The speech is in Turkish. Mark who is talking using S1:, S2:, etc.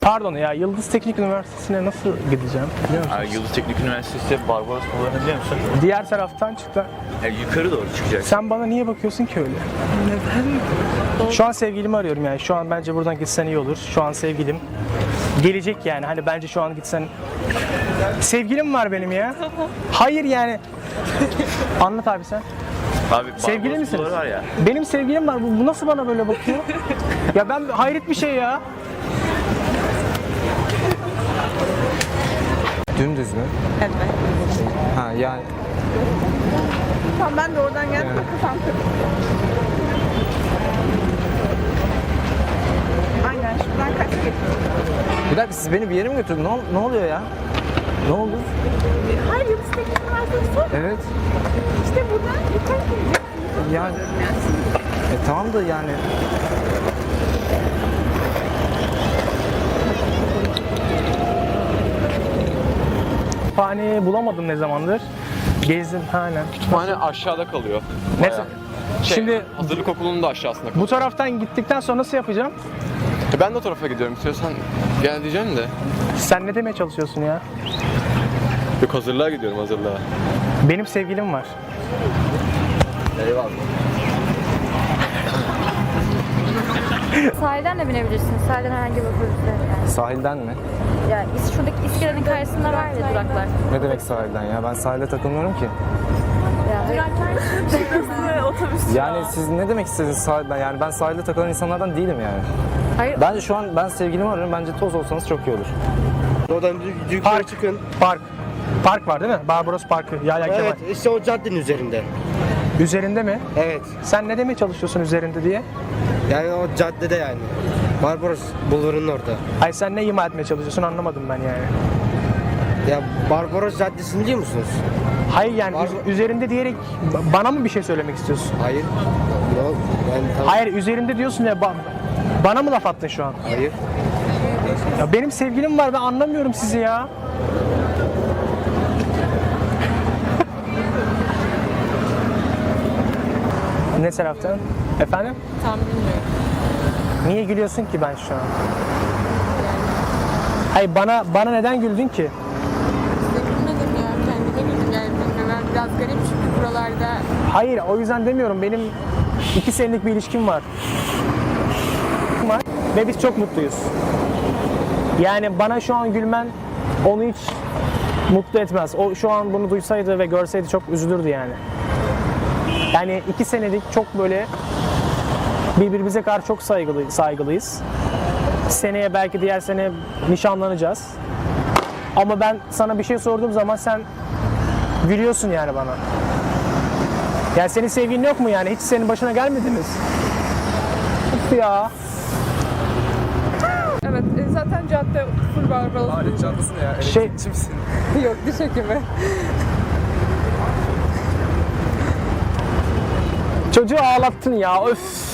S1: Pardon ya, Yıldız Teknik Üniversitesi'ne nasıl gideceğim biliyor musun?
S2: Yıldız Teknik Üniversitesi Barbaros Polo'nu biliyor musun?
S1: Diğer taraftan çıktı.
S2: Yukarı doğru çıkacak.
S1: Sen bana niye bakıyorsun ki öyle? Neden? Şu an sevgilimi arıyorum yani. Şu an bence buradan gitsen iyi olur. Şu an sevgilim gelecek yani. Hani bence şu an gitsen... Sevgilim var benim ya. Hayır yani. Anlat abi sen.
S2: Abi
S1: Sevgili
S2: Barbaros
S1: misiniz?
S2: Polo var ya.
S1: Benim sevgilim var. Bu nasıl bana böyle bakıyor? Ya ben hayret bir şey ya.
S3: Dümdüz mü?
S4: Evet.
S3: Ha yani
S4: Tamam ben de oradan geldim de kafam kırık. Aynen şuradan kaç geçiyor.
S3: bir dakika siz beni bir yere mi götürdün? Ne oluyor ya? Ne oldu?
S4: Hayır Yıldız Teknik Üniversitesi.
S3: Evet.
S4: İşte buradan yukarı gidecek.
S3: Yani tamam da yani
S1: Kütüphane bulamadım ne zamandır. Gezdim aynen.
S5: Kütüphane aşağıda kalıyor.
S1: Neyse.
S5: Bayağı.
S1: Şimdi
S5: Hazırlık okulunun da aşağısında kalıyor.
S1: bu taraftan gittikten sonra nasıl yapacağım?
S5: Ben de o tarafa gidiyorum. İstiyorsan gel diyeceğim de.
S1: Sen ne demeye çalışıyorsun ya?
S5: Yok hazırlığa gidiyorum hazırlığa.
S1: Benim sevgilim var.
S5: Eyvallah.
S6: Sahilden de binebilirsiniz. Sahilden herhangi bir otobüsle. Yani.
S3: sahilden mi?
S6: Ya şuradaki iskelenin karşısında var ya duraklar.
S3: Ne demek sahilden ya? Ben sahilde takılmıyorum ki.
S6: Ya,
S4: Otobüs.
S3: Yani siz ne demek istediniz sahilden? Yani ben sahilde takılan insanlardan değilim yani.
S6: hayır.
S3: Bence şu an ben sevgilimi arıyorum. Bence toz olsanız çok iyi olur.
S7: Oradan yukarı
S1: Park.
S7: çıkın.
S1: Park. Park var değil mi? Barbaros Parkı. Yahya Kemal.
S7: Evet, işte o caddenin üzerinde.
S1: Üzerinde mi?
S7: Evet,
S1: Sen ne demeye çalışıyorsun üzerinde diye?
S7: yani o caddede yani. Barbaros Bulvarı'nın orada.
S1: Hayır sen ne ima etmeye çalışıyorsun anlamadım ben yani.
S7: Ya Barbaros Caddesi'ni biliyor musunuz?
S1: Hayır yani
S7: Barbar-
S1: üzerinde diyerek bana mı bir şey söylemek istiyorsun?
S7: Hayır. Yok, yani
S1: Hayır üzerinde diyorsun ya bana mı laf attın şu an?
S7: Hayır.
S1: Ya benim sevgilim var ben anlamıyorum sizi ya. Ne taraftan? Efendim?
S4: Tam bilmiyorum.
S1: Niye gülüyorsun ki ben şu an? Hayır bana neden güldün ki?
S4: Gülmedim ya. Kendime güldüm yani bilmiyorum. Ben biraz garip çünkü buralarda.
S1: Hayır o yüzden demiyorum. Benim 2 senelik bir ilişkim var. Ve biz çok mutluyuz. Yani bana şu an gülmen onu hiç mutlu etmez. O şu an bunu duysaydı ve görseydi çok üzülürdü yani. Yani 2 senelik çok böyle birbirimize karşı çok saygılıyız. Seneye belki diğer sene nişanlanacağız. Ama ben sana bir şey sorduğum zaman sen gülüyorsun yani bana. Yani senin sevgilin yok mu yani? Hiç senin başına gelmedi mi? Of ya.
S4: Evet zaten cadde full Barbaros.
S3: Alet çantası ne ya?
S1: Şey,
S4: Yok diş hekimi.
S1: çocuğu ağlattın ya. Öf.